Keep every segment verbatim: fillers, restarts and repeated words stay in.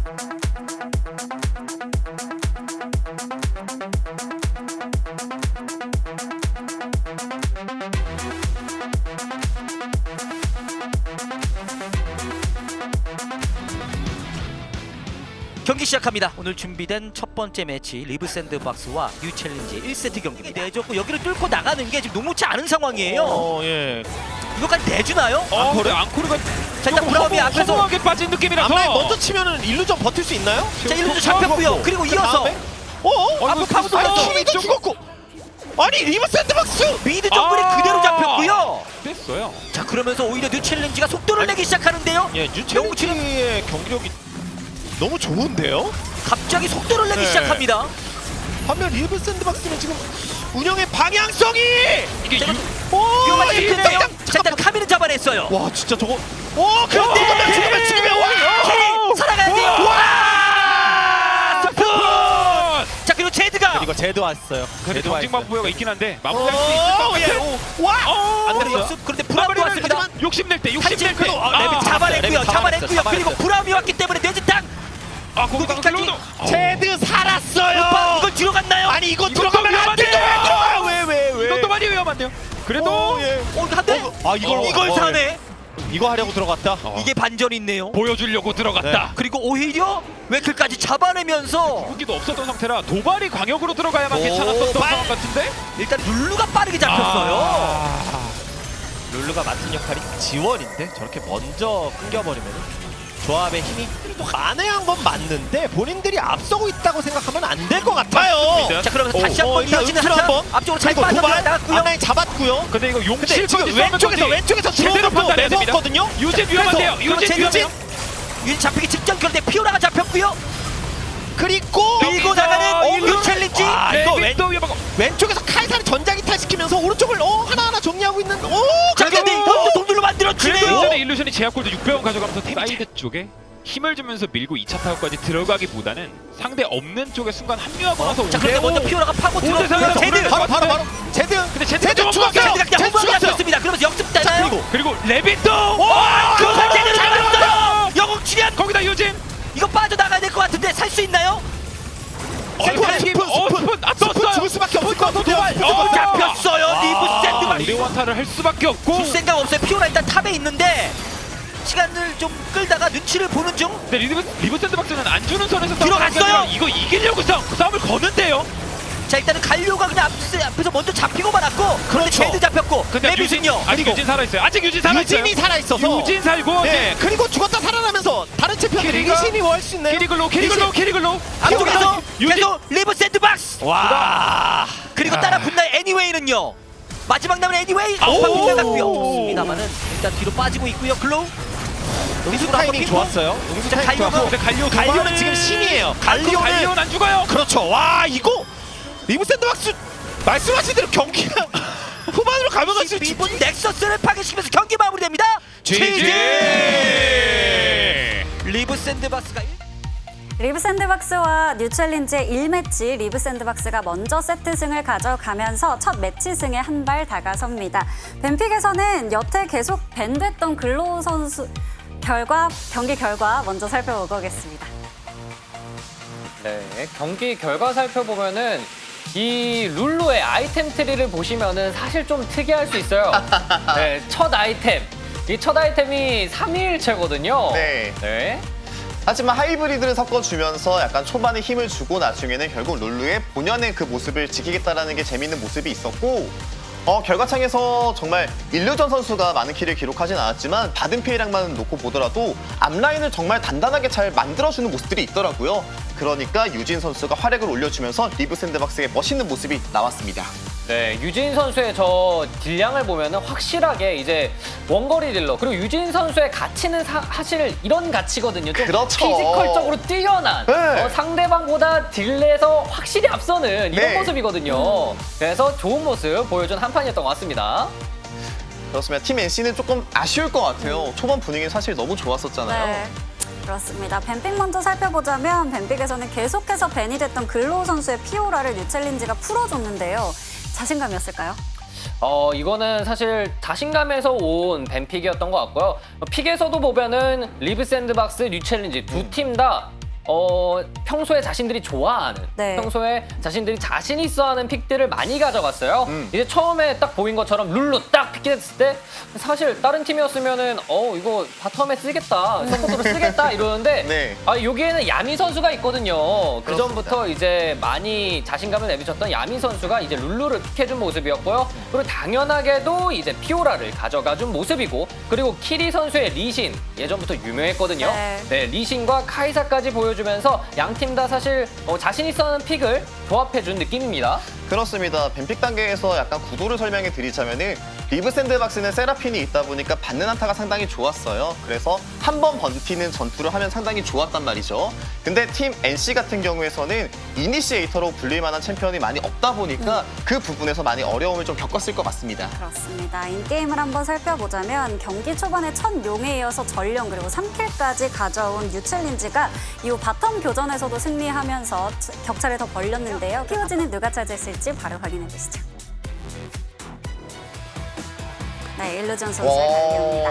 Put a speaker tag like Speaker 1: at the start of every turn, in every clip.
Speaker 1: 경기 시작합니다. 오늘 준비된 첫 번째 매치 리브 샌드박스와 뉴 챌린지 일 세트 경기입니다. 내줬고 여기를 뚫고 나가는 게 지금 녹록치 않은 상황이에요.
Speaker 2: 어, 예.
Speaker 1: 이거까지 내주나요?
Speaker 2: 어,
Speaker 3: 앙코르
Speaker 2: 그래?
Speaker 3: 앙코르가
Speaker 1: 자, 일단 브라움이 앞에서
Speaker 3: 허무하게 빠진 느낌이라서.
Speaker 2: 앞라인 먼저 치면은 일루전 버틸 수 있나요?
Speaker 1: 자, 일루전 잡혔고요. 그리고 이어서
Speaker 2: 다음에? 어? 어?
Speaker 3: 어, 이거
Speaker 1: 파고도
Speaker 2: 아니
Speaker 1: 들어가서
Speaker 2: 키리도 죽었고. 아니 리브 샌드박스.
Speaker 1: 미드 정글이
Speaker 3: 아.
Speaker 1: 그대로 잡혔고요.
Speaker 3: 됐어요.
Speaker 1: 자, 그러면서 오히려 뉴 챌린지가 속도를 내기 시작하는데요.
Speaker 2: 예, 뉴체리의 경기력이 너무 좋은데요?
Speaker 1: 갑자기 속도를 내기
Speaker 2: 네.
Speaker 1: 시작합니다.
Speaker 2: 반면 리브 샌드박스는 지금 운영의 방향성이
Speaker 3: 이게
Speaker 1: 제가
Speaker 3: 유,
Speaker 2: 오,
Speaker 1: 위험한
Speaker 2: 이
Speaker 1: 킬인데요.
Speaker 2: 땅땅,
Speaker 1: 자, 일단
Speaker 2: 잠깐만.
Speaker 1: 카미는 잡아냈어요.
Speaker 2: 와 진짜 저거. 와 그런데
Speaker 1: 네.
Speaker 2: 죽으면 죽으면 와.
Speaker 1: 캐리 살아가야 돼요. 와! 스푼! 자, 그리고 제드가
Speaker 2: 이거 제드 왔어요.
Speaker 3: 근데
Speaker 2: 제드
Speaker 3: 경쟁만
Speaker 2: 왔어요.
Speaker 3: 부여가 있긴 한데 마무리할 수 있을 것
Speaker 2: 오,
Speaker 3: 같아.
Speaker 2: 예, 오. 와.
Speaker 3: 어,
Speaker 2: 안
Speaker 1: 그런데
Speaker 2: 됐어요.
Speaker 1: 역습 그런데 브라움이
Speaker 3: 마무리를
Speaker 1: 왔습니다.
Speaker 3: 하지만 욕심낼 때 욕심낼 때.
Speaker 1: 탈진크로
Speaker 3: 아,
Speaker 2: 레빗
Speaker 1: 잡아냈고요.
Speaker 2: 레빗
Speaker 1: 잡아냈고요.
Speaker 2: 잡아냈어요.
Speaker 1: 그리고 브라움이 왔기 때문에 뇌지탕
Speaker 3: 아, 거기다가
Speaker 1: 거기까지.
Speaker 3: 클로우도.
Speaker 2: 제드 살았어요.
Speaker 1: 오빠 이걸 들어갔나요?
Speaker 2: 아니 이거
Speaker 3: 이것도
Speaker 2: 들어가면 안 돼.
Speaker 3: 위험한데.
Speaker 2: 왜왜 왜?
Speaker 3: 이것도 많이 위험한데요. 그래도
Speaker 2: 오, 예.
Speaker 1: 어, 한대
Speaker 2: 아 이걸
Speaker 3: 어,
Speaker 1: 이걸
Speaker 2: 어,
Speaker 1: 사네.
Speaker 2: 이거 하려고 들어갔다.
Speaker 3: 어,
Speaker 1: 이게 반전이 있네요.
Speaker 3: 보여주려고 들어갔다.
Speaker 1: 그리고 오히려 웨클까지 잡아내면서
Speaker 3: 무기도 없었던 상태라 도발이 광역으로 들어가야만
Speaker 2: 오,
Speaker 3: 괜찮았던
Speaker 2: 발.
Speaker 3: 상황 같은데.
Speaker 1: 일단 룰루가 빠르게 잡혔어요.
Speaker 3: 아,
Speaker 2: 룰루가 맡은 역할이 지원인데 저렇게 먼저 끊겨버리면 조합의 힘이 만회한 건 맞는데 본인들이 앞서고 있다고 생각하면 안 될 것 같아요.
Speaker 3: 맞습니다.
Speaker 1: 자, 그러면서
Speaker 2: 오,
Speaker 1: 다시
Speaker 2: 어,
Speaker 1: 한번
Speaker 2: 일단
Speaker 1: 이어지는
Speaker 2: 음수로
Speaker 1: 한타
Speaker 2: 한번.
Speaker 1: 앞쪽으로 잘
Speaker 2: 그리고 도발
Speaker 1: 빠져나갔고요.
Speaker 2: 앞라인 잡았고요.
Speaker 3: 근데 이거
Speaker 2: 근데
Speaker 3: 용칠
Speaker 2: 지금 왼쪽에서 왼쪽에서
Speaker 3: 제대로
Speaker 2: 제대로
Speaker 3: 판단해야 됩니다.
Speaker 2: 매서웠거든요.
Speaker 3: 유진 위험한데요.
Speaker 1: 그래서
Speaker 3: 유진
Speaker 1: 제드
Speaker 3: 위험해요.
Speaker 1: 유진 잡히기 직전 그런데 피오라가 잡혔고요.
Speaker 2: 그리고
Speaker 1: 밀고
Speaker 3: 여기서
Speaker 1: 나가는
Speaker 3: 일루.
Speaker 1: 뉴 챌린지.
Speaker 2: 아, 이거 왼,
Speaker 3: 레빗도 위험하고.
Speaker 2: 왼쪽에서 카이사를 전자기탈 시키면서 오른쪽을 어 하나하나 정리하고 있는 오
Speaker 1: 자, 근데
Speaker 2: 그래도
Speaker 1: 이것도 동률로
Speaker 3: 그래도
Speaker 1: 만들어주네요.
Speaker 3: 이전에 일루션이 제약골드 육백 원 가져가면서 사이드 쪽에 힘을 주면서 밀고 이 차 타격까지 들어가기보다는 상대 없는 쪽에 순간 합류하고 나서
Speaker 1: 자, 그런데
Speaker 3: 오대오.
Speaker 1: 먼저 피오라가 파고
Speaker 3: 오대
Speaker 1: 들어오고요.
Speaker 3: 상에서
Speaker 1: 제드.
Speaker 2: 바로 바로 바로 제드
Speaker 3: 근데 제드
Speaker 2: 제드
Speaker 3: 좀
Speaker 2: 죽었어요.
Speaker 1: 제드가 그냥
Speaker 2: 제드
Speaker 1: 후방에
Speaker 2: 죽었어요.
Speaker 1: 잡혔습니다. 그러면서 역습
Speaker 2: 자
Speaker 1: 되나요?
Speaker 2: 그리고
Speaker 3: 그리고 레빗도
Speaker 2: 와,
Speaker 1: 그거
Speaker 2: 그거
Speaker 1: 제대로
Speaker 2: 잘
Speaker 1: 잡았어요. 영웅 출연.
Speaker 3: 거기다 유진.
Speaker 1: 이거 빠져나가야 될 것 같은데 살 수 있나요?
Speaker 3: 어,
Speaker 2: 스푼,
Speaker 3: 스푼,
Speaker 2: 스푼,
Speaker 3: 어,
Speaker 2: 스푼.
Speaker 3: 스푼, 아,
Speaker 2: 스푼
Speaker 3: 떴어요.
Speaker 2: 죽을 수밖에 없을 것 같은데요.
Speaker 3: 도발.
Speaker 2: 스푼
Speaker 3: 어,
Speaker 2: 죽을 수밖에
Speaker 1: 잡혔어요. 리브
Speaker 3: 우리
Speaker 1: 샌드박스.
Speaker 3: 원타를 할 수밖에 없고.
Speaker 1: 줄 생각 없어요. 피오라 일단 탑에 있는데 시간을 좀 끌다가 눈치를 보는 중.
Speaker 3: 근데 리브 리브 샌드박스는 안 주는 선에서
Speaker 1: 들어갔어요.
Speaker 3: 싸우는 게 아니라 이거 이기려고 싸움, 싸움을 거는데요.
Speaker 1: 자, 일단은 갈료가 그냥 앞, 앞에서 먼저 잡히고 말았고 그런데
Speaker 2: 그렇죠.
Speaker 1: 제드 잡혔고
Speaker 3: 근데 유진
Speaker 1: 레빗은요.
Speaker 3: 아직
Speaker 2: 그리고
Speaker 3: 유진 살아 있어요. 아직 유진 살아 있어요.
Speaker 2: 유진이 살아 있어서
Speaker 3: 유진 살고
Speaker 2: 네 그리고 죽었다 살아나면서 다른 챔피언들이
Speaker 3: 키리가-
Speaker 2: 리신이 월 수 있네요.
Speaker 3: 키리글로 키리글로 키리글로
Speaker 1: 앞쪽에서
Speaker 3: 유진
Speaker 1: 계속 리브 샌드박스.
Speaker 2: 와
Speaker 1: 그리고 따라 붙는 애니웨이는요. 마지막 남은 애니웨이
Speaker 3: 아오.
Speaker 1: 오빠 빗나갔고요. 좋습니다만은 일단 뒤로 빠지고 있고요. 글로우.
Speaker 2: 응수
Speaker 1: 한번
Speaker 2: 타이밍
Speaker 1: 핑퐁.
Speaker 2: 좋았어요. 응수
Speaker 1: 자,
Speaker 2: 타이밍
Speaker 1: 갈리오가-
Speaker 2: 좋았고
Speaker 3: 근데 갈리오
Speaker 2: 갈리오는
Speaker 3: 도발을-
Speaker 2: 지금 신이에요.
Speaker 3: 갈리오
Speaker 2: 갈리오는
Speaker 3: 갈리오는 안 죽어요.
Speaker 2: 그렇죠. 와 이거 리브 샌드박스 말씀하신 대로 경기가 후반으로 가면 갈수록
Speaker 1: 십 이 분 넥서스를 파괴시키면서 경기 마무리됩니다.
Speaker 2: 지지!
Speaker 1: 리브 샌드박스가
Speaker 4: 리브 샌드박스와 뉴 챌린지의 일 매치 리브 샌드박스가 먼저 세트승을 가져가면서 첫 매치승에 한 발 다가섭니다. 벤픽에서는 여태 계속 밴됐던 글로우 선수 결과 경기 결과 먼저 살펴보겠습니다.
Speaker 5: 네, 경기 결과 살펴보면은 이 룰루의 아이템 트리를 보시면은 사실 좀 특이할 수 있어요. 네, 첫 아이템. 이 첫 아이템이 삼위일체거든요.
Speaker 6: 네.
Speaker 5: 네.
Speaker 6: 하지만 하이브리드를 섞어주면서 약간 초반에 힘을 주고 나중에는 결국 룰루의 본연의 그 모습을 지키겠다라는 게 재밌는 모습이 있었고 어, 결과창에서 정말 일루전 선수가 많은 킬을 기록하진 않았지만 받은 피해량만 놓고 보더라도 앞라인을 정말 단단하게 잘 만들어주는 모습들이 있더라고요. 그러니까 유진 선수가 활약을 올려주면서 리브 샌드박스의 멋있는 모습이 나왔습니다.
Speaker 5: 네, 유진 선수의 저 딜량을 보면은 확실하게 이제 원거리 딜러 그리고 유진 선수의 가치는 사, 사실 이런 가치거든요. 좀
Speaker 6: 그렇죠.
Speaker 5: 피지컬적으로 뛰어난
Speaker 6: 네.
Speaker 5: 어, 상대방보다 딜에서 확실히 앞서는 이런
Speaker 6: 네.
Speaker 5: 모습이거든요. 그래서 좋은 모습 보여준 한 판이었던 것 같습니다.
Speaker 6: 그렇습니다. 팀 엔씨는 조금 아쉬울 것 같아요. 초반 분위기는 사실 너무 좋았었잖아요.
Speaker 4: 네. 그렇습니다. 벤픽 먼저 살펴보자면 벤픽에서는 계속해서 밴이 됐던 글로우 선수의 피오라를 뉴 챌린지가 풀어줬는데요. 자신감이었을까요?
Speaker 5: 어 이거는 사실 자신감에서 온 벤픽이었던 것 같고요. 픽에서도 보면은 리브 샌드박스, 뉴 챌린지 두 팀 다 어, 평소에 자신들이 좋아하는,
Speaker 4: 네.
Speaker 5: 평소에 자신들이 자신 있어 하는 픽들을 많이 가져갔어요.
Speaker 6: 음.
Speaker 5: 이제 처음에 딱 보인 것처럼 룰루 딱 픽했을 때 사실 다른 팀이었으면은 어, 이거 바텀에 쓰겠다, 서포트로 쓰겠다 이러는데
Speaker 6: 네.
Speaker 5: 아, 여기에는 야미 선수가 있거든요. 그
Speaker 6: 그렇습니다.
Speaker 5: 전부터 이제 많이 자신감을 내비쳤던 야미 선수가 이제 룰루를 픽해준 모습이었고요. 그리고 당연하게도 이제 피오라를 가져가준 모습이고, 그리고 키리 선수의 리신 예전부터 유명했거든요.
Speaker 4: 네.
Speaker 5: 네, 리신과 카이사까지 보여주면서 양 팀 다 사실 어, 자신 있어 하는 픽을 조합해준 느낌입니다.
Speaker 6: 그렇습니다. 뱀픽 단계에서 약간 구도를 설명해 드리자면은 리브 샌드박스는 세라핀이 있다 보니까 받는 한타가 상당히 좋았어요. 그래서 한 번 버티는 전투를 하면 상당히 좋았단 말이죠. 근데 팀 엔씨 같은 경우에서는 이니시에이터로 불릴 만한 챔피언이 많이 없다 보니까 그 부분에서 많이 어려움을 좀 겪었을 것 같습니다.
Speaker 4: 그렇습니다. 인게임을 한번 살펴보자면 경기 초반에 첫 용에 이어서 전령 그리고 삼 킬까지 가져온 뉴챌린지가 이후 바텀 교전에서도 승리하면서 격차를 더 벌렸는데요. 키워지는 누가 차지했을지 바로 확인해 보시죠. 네, 일루전 선수의 발표입니다.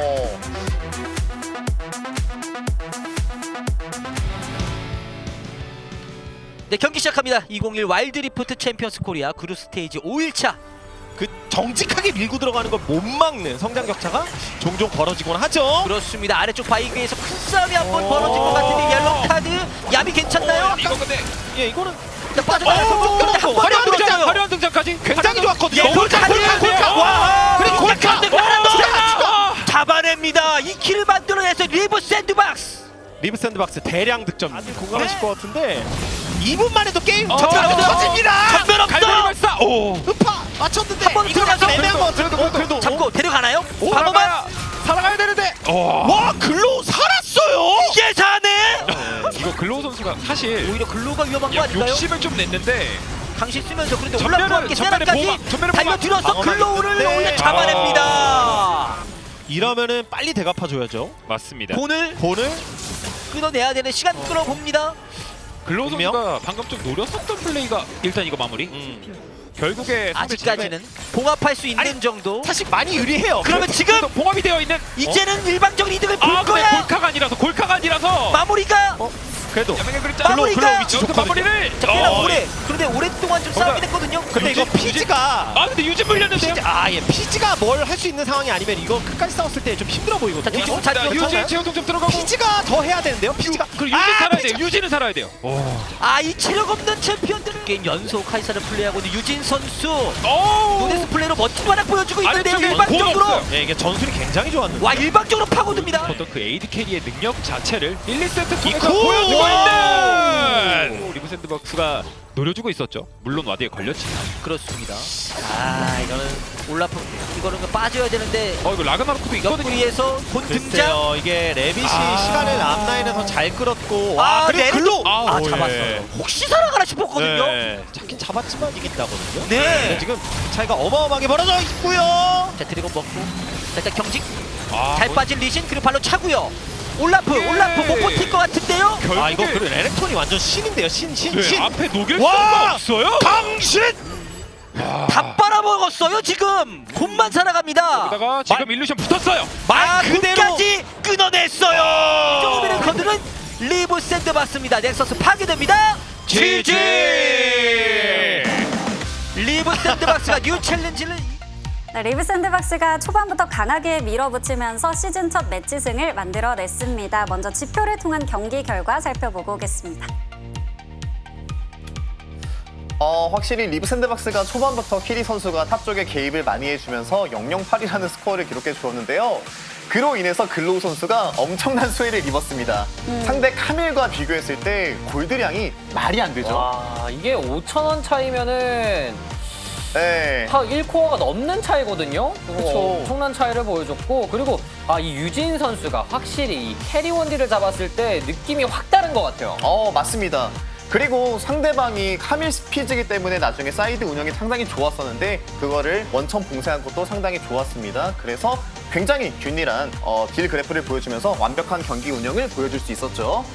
Speaker 1: 네, 경기 시작합니다. 이천일 와일드 리프트 챔피언스 코리아 그룹 스테이지 오 일차.
Speaker 2: 그 정직하게 밀고 들어가는 걸 못 막는 성장 격차가 종종 벌어지곤 하죠.
Speaker 1: 그렇습니다. 아래쪽 바이그에서 큰 싸움이 한 번 벌어진 것 같은데 옐로우 카드. 야비 괜찮나요?
Speaker 3: 이거 근데
Speaker 2: 예, 이거는
Speaker 1: 일단 빠져나가서
Speaker 2: 오,
Speaker 1: 근데 한 번에
Speaker 3: 화려한
Speaker 1: 안
Speaker 3: 등장,
Speaker 1: 들어가요.
Speaker 3: 화려한 등장까지
Speaker 2: 굉장히 좋았거든요.
Speaker 1: 예, 골카,
Speaker 2: 골카,
Speaker 1: 골카,
Speaker 2: 골카.
Speaker 1: 와,
Speaker 2: 그리고 골카.
Speaker 1: 하나 더
Speaker 3: 아!
Speaker 1: 잡아냅니다. 이 킬을 만들어내서 리브 샌드박스.
Speaker 2: 리브 샌드박스 대량 득점. 다들 공감하실
Speaker 1: 네.
Speaker 2: 것 같은데 이 분만 해도 게임
Speaker 3: 어,
Speaker 2: 전멸
Speaker 3: 어,
Speaker 2: 터집니다.
Speaker 1: 전멸 없어.
Speaker 3: 갈매기 발사. 오.
Speaker 2: 음파 맞췄는데
Speaker 1: 한번
Speaker 2: 이거
Speaker 1: 들어가서
Speaker 2: 약간 애매한 것 같아요.
Speaker 3: 그래도, 그래도.
Speaker 1: 잡고 데려가나요? 방어만
Speaker 3: 살아가야, 살아가야 되는데. 와.
Speaker 2: 와 글로우 살았어요.
Speaker 1: 이게 사네.
Speaker 3: 이거 글로우 선수가 사실
Speaker 1: 오히려 글로가 위험한 거
Speaker 3: 야,
Speaker 1: 아닌가요?
Speaker 3: 욕심을 좀 냈는데
Speaker 1: 강신 쓰면서 그런데
Speaker 3: 전멸을-
Speaker 1: 올라프와 함께
Speaker 3: 전멸의
Speaker 1: 세라까지
Speaker 3: 보호막, 전멸의
Speaker 1: 달려들어서
Speaker 2: 보호막.
Speaker 1: 글로우를
Speaker 2: 방어막이
Speaker 1: 오히려
Speaker 2: 있는데.
Speaker 1: 잡아냅니다.
Speaker 2: 이러면은 빨리 대갚아줘야죠.
Speaker 3: 맞습니다.
Speaker 1: 돈을
Speaker 2: 본을
Speaker 1: 끊어내야 되는 시간 끌어봅니다.
Speaker 3: 글로우
Speaker 2: 분명?
Speaker 3: 선수가 방금 좀 노렸었던 플레이가 일단 이거 마무리.
Speaker 2: 음.
Speaker 3: 결국에 상대
Speaker 1: 아직까지는 봉합할 수 있는
Speaker 3: 아니,
Speaker 1: 정도.
Speaker 2: 사실 많이 유리해요.
Speaker 1: 그러면 지금
Speaker 3: 팀에 봉합이 되어 있는.
Speaker 1: 이제는 일방적인 이득을 볼
Speaker 3: 아, 근데
Speaker 1: 거야.
Speaker 3: 골카가 아니라서 골카가 아니라서.
Speaker 1: 마무리가
Speaker 2: 그래도
Speaker 3: 야맹의 그림자.
Speaker 1: 글로우, 글로우
Speaker 2: 위치
Speaker 3: 여기서
Speaker 2: 좋거든요.
Speaker 3: 마무리를.
Speaker 1: 자, 꽤나
Speaker 3: 어,
Speaker 1: 오래. 그런데 오랫동안 좀 싸움이 됐거든요.
Speaker 2: 근데 이거
Speaker 3: 유진,
Speaker 2: 피지가
Speaker 3: 아 근데 유진 물렸는데요.
Speaker 2: 피지, 아, 예, 피지가 뭘 할 수 있는 상황이 아니면 이거 끝까지 싸웠을 때 좀 힘들어 보이거든요.
Speaker 1: 자, 뒤쪽으로
Speaker 2: 어?
Speaker 1: 잘
Speaker 3: 자,
Speaker 1: 뛰어.
Speaker 3: 유진 제어 동점 들어가고.
Speaker 2: 피지가 더 해야 되는데요. 피지가
Speaker 3: 그리고 유진
Speaker 2: 아,
Speaker 3: 살아야
Speaker 2: 피지가.
Speaker 3: 돼요. 유진은 살아야 돼요. 오.
Speaker 1: 아, 이 체력 없는 챔피언들 게임 연속 카이사를 플레이하고 있는 유진 선수.
Speaker 3: 오.
Speaker 1: 노데스 플레이로 멋진 활약 보여주고 있는데요.
Speaker 3: 아래쪽에
Speaker 1: 일방적으로.
Speaker 3: 공이 없어요.
Speaker 2: 예, 이게 전술이 굉장히 좋았는데.
Speaker 1: 와, 일방적으로 파고듭니다.
Speaker 3: 어떤 그 에이드 캐리의 능력 자체를 일, 이 세트 통해서
Speaker 2: 이코!
Speaker 3: 보여주고
Speaker 2: 와우!
Speaker 3: 있는 리브 샌드박스가 노려주고 있었죠. 물론 와드에 걸렸지만.
Speaker 1: 그렇습니다. 아, 이거는 올라프 이거는 빠져야 되는데
Speaker 3: 어 이거 라그나로크도 있거든요.
Speaker 1: 옆구리에서 본 등장.
Speaker 2: 글쎄요, 이게 레빗이
Speaker 3: 아.
Speaker 2: 시간을 앞라인에서 잘 끌었고
Speaker 1: 아,
Speaker 2: 와, 그리고
Speaker 1: 레빗도-
Speaker 2: 글로
Speaker 1: 아,
Speaker 2: 오,
Speaker 1: 잡았어요.
Speaker 2: 예.
Speaker 1: 혹시 살아가나 싶었거든요.
Speaker 2: 네, 잡긴 잡았지만 이긴다거든요.
Speaker 1: 네.
Speaker 2: 근데 지금 차이가 어마어마하게 벌어져 있고요.
Speaker 1: 자, 드래곤 먹고. 자, 일단 경직.
Speaker 3: 아,
Speaker 1: 잘
Speaker 3: 뭐,
Speaker 1: 빠진 리신 그리고 발로 차고요. 올라프,
Speaker 3: 예.
Speaker 1: 올라프 못 버틸 것 같은데요.
Speaker 3: 결국에
Speaker 2: 아, 이거 그리고 에렉톤이 완전 신인데요. 신, 신,
Speaker 3: 네,
Speaker 2: 신.
Speaker 3: 앞에 녹일
Speaker 2: 와!
Speaker 3: 수가 없어요.
Speaker 2: 강신!
Speaker 1: 다 빨아먹었어요 지금. 곰만 살아갑니다.
Speaker 3: 여기다가 지금 일루션 붙었어요.
Speaker 1: 아,
Speaker 2: 그대로-
Speaker 1: 끝까지 끊어냈어요. 조금이는 거드는 리브 샌드박스입니다. 넥서스 파괴됩니다. 지지. 리브 샌드박스가 뉴 챌린지를
Speaker 4: 네, 리브 샌드박스가 초반부터 강하게 밀어붙이면서 시즌 첫 매치승을 만들어냈습니다. 먼저 지표를 통한 경기 결과 살펴보고 오겠습니다.
Speaker 6: 어, 확실히 리브 샌드박스가 초반부터 키리 선수가 탑 쪽에 개입을 많이 해주면서 영 영 팔이라는 스코어를 기록해 주었는데요. 그로 인해서 글로우 선수가 엄청난 수혜를 입었습니다. 상대 카밀과 비교했을 때 골드량이 말이 안 되죠.
Speaker 5: 와, 이게 오천 원 차이면은
Speaker 6: 네.
Speaker 5: 다 일 코어가 넘는 차이거든요. 그거
Speaker 6: 그쵸.
Speaker 5: 엄청난 차이를 보여줬고, 그리고 아, 이 유진 선수가 확실히 이 캐리 원딜을 잡았을 때 느낌이 확 다른 것 같아요.
Speaker 6: 어, 맞습니다. 그리고 상대방이 카밀 스피즈이기 때문에 나중에 사이드 운영이 상당히 좋았었는데 그거를 원천 봉쇄한 것도 상당히 좋았습니다. 그래서 굉장히 균일한 어, 딜 그래프를 보여주면서 완벽한 경기 운영을 보여줄 수 있었죠.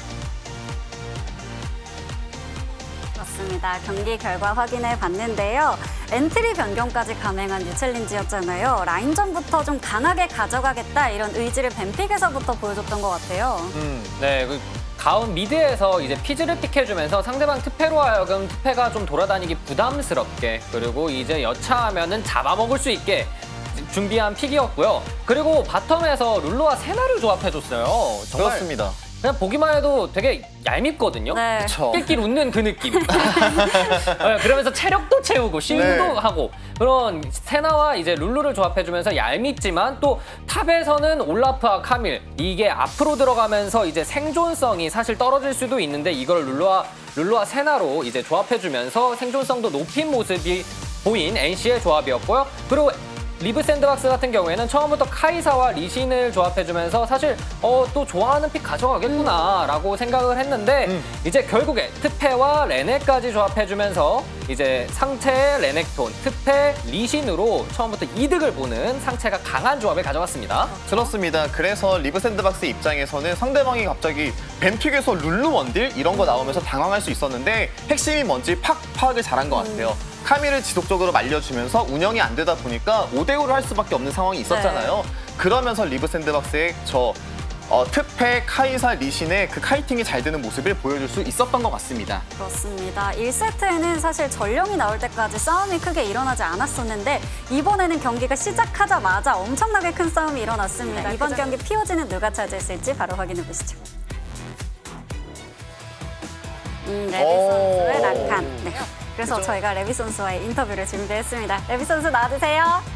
Speaker 4: 그렇습니다. 경기 결과 확인해 봤는데요. 엔트리 변경까지 감행한 뉴챌린지였잖아요. 라인전부터 좀 강하게 가져가겠다 이런 의지를 뱀픽에서부터 보여줬던 것 같아요.
Speaker 6: 음.
Speaker 5: 네, 그 가운 미드에서 이제 피즈를 픽해주면서 상대방 트페로 하여금 트페가 좀 돌아다니기 부담스럽게 그리고 이제 여차하면은 잡아먹을 수 있게 준비한 픽이었고요. 그리고 바텀에서 룰루와 세나를 조합해줬어요. 정말
Speaker 6: 그렇습니다.
Speaker 5: 그냥 보기만 해도 되게 얄밉거든요.
Speaker 4: 네.
Speaker 6: 그쵸.
Speaker 5: 낄낄 웃는 그 느낌. 네, 그러면서 체력도 채우고 실드도
Speaker 6: 네.
Speaker 5: 하고 그런 세나와 이제 룰루를 조합해주면서 얄밉지만 또 탑에서는 올라프와 카밀 이게 앞으로 들어가면서 이제 생존성이 사실 떨어질 수도 있는데 이걸 룰루와 룰루와 세나로 이제 조합해주면서 생존성도 높인 모습이 보인 엔씨의 조합이었고요. 그리고 리브 샌드박스 같은 경우에는 처음부터 카이사와 리신을 조합해주면서 사실 어, 또 좋아하는 픽 가져가겠구나라고 생각을 했는데
Speaker 6: 음.
Speaker 5: 이제 결국에 트페와 레넥까지 조합해주면서 이제 상체의 레넥톤, 트페, 리신으로 처음부터 이득을 보는 상체가 강한 조합을 가져갔습니다.
Speaker 6: 그렇습니다. 그래서 리브 샌드박스 입장에서는 상대방이 갑자기 벤픽에서 룰루 원딜 이런 거 나오면서 당황할 수 있었는데 핵심이 뭔지 팍 파악을 잘한 것 같아요. 카밀을 지속적으로 말려주면서 운영이 안 되다 보니까 오 대 오를 할 수밖에 없는 상황이 있었잖아요. 그러면서 리브 샌드박스의 저 어, 트페, 카이사, 리신의 그 카이팅이 잘 되는 모습을 보여줄 수 있었던 것 같습니다.
Speaker 4: 그렇습니다. 일 세트에는 사실 전령이 나올 때까지 싸움이 크게 일어나지 않았었는데 이번에는 경기가 시작하자마자 엄청나게 큰 싸움이 일어났습니다. 이번 경기 피오지는 누가 차지했을지 바로 확인해 보시죠. 음, 레비
Speaker 6: 오.
Speaker 4: 선수의 낙한. 네. 그래서 저희가 레비 선수와의 인터뷰를 준비했습니다. 레비 선수 나와주세요.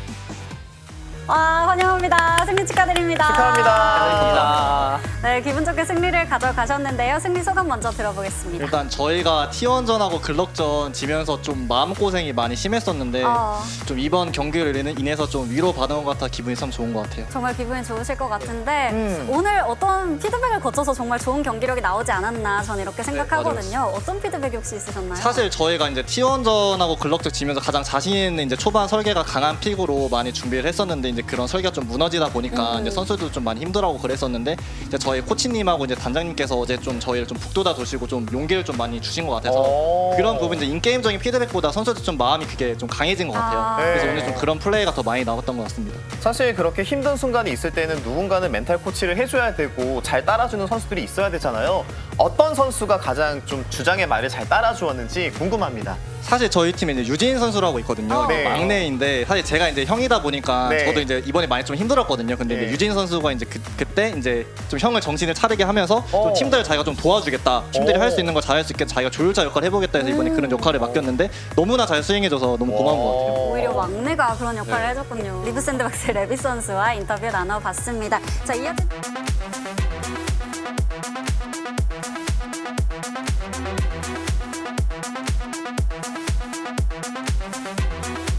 Speaker 4: 와, 환영합니다. 승리 축하드립니다.
Speaker 6: 축하합니다.
Speaker 4: 네, 기분 좋게 승리를 가져가셨는데요. 승리 소감 먼저 들어보겠습니다.
Speaker 7: 일단 저희가 티원전하고 글럭전 지면서 좀 마음고생이 많이 심했었는데
Speaker 4: 어.
Speaker 7: 좀 이번 경기를 인해서 좀 위로받은 것 같아 기분이 참 좋은 것 같아요.
Speaker 4: 정말 기분이 좋으실 것 같은데
Speaker 6: 음.
Speaker 4: 오늘 어떤 피드백을 거쳐서 정말 좋은 경기력이 나오지 않았나 저는 이렇게 생각하거든요. 어떤 피드백이 혹시 있으셨나요?
Speaker 7: 사실 저희가 이제 티원전하고 글럭전 지면서 가장 자신 있는 이제 초반 설계가 강한 픽으로 많이 준비를 했었는데 이제 그런 설계가 좀 무너지다 보니까
Speaker 4: 음.
Speaker 7: 이제 선수들도 좀 많이 힘들어하고 그랬었는데 이제 저희 코치님하고 이제 단장님께서 어제 좀 저희를 좀 북돋아 주시고 좀 용기를 좀 많이 주신 것 같아서
Speaker 6: 오.
Speaker 7: 그런 부분 이제 인게임적인 피드백보다 선수들 좀 마음이 그게 좀 강해진 것 같아요.
Speaker 4: 아.
Speaker 7: 그래서
Speaker 6: 네.
Speaker 7: 오늘 좀 그런 플레이가 더 많이 나왔던 것 같습니다.
Speaker 6: 사실 그렇게 힘든 순간이 있을 때는 누군가는 멘탈 코치를 해줘야 되고 잘 따라주는 선수들이 있어야 되잖아요. 어떤 선수가 가장 좀 주장의 말을 잘 따라주었는지 궁금합니다.
Speaker 7: 사실 저희 팀에 이제 유진 선수라고 있거든요.
Speaker 4: 어.
Speaker 6: 네.
Speaker 7: 막내인데 사실 제가 이제 형이다 보니까
Speaker 6: 네.
Speaker 7: 저도 이제 이번에 많이 좀 힘들었거든요. 근데
Speaker 6: 네.
Speaker 7: 이제 유진 선수가 이제 그, 그때 이제 좀 형을 정신을 차리게 하면서
Speaker 6: 어.
Speaker 7: 좀 팀들 자기가 좀 도와주겠다. 팀들이
Speaker 6: 어.
Speaker 7: 할 수 있는 거 잘할 수 있게 자기가 조율자 역할을 해보겠다 해서 이번에
Speaker 4: 음.
Speaker 7: 그런 역할을 맡겼는데 너무나 잘 수행해줘서 너무 고마운 것 같아요.
Speaker 4: 오히려 막내가 그런 역할을 해줬군요. 리브 샌드박스의 레비 선수와 인터뷰 나눠봤습니다. 자, 이어지...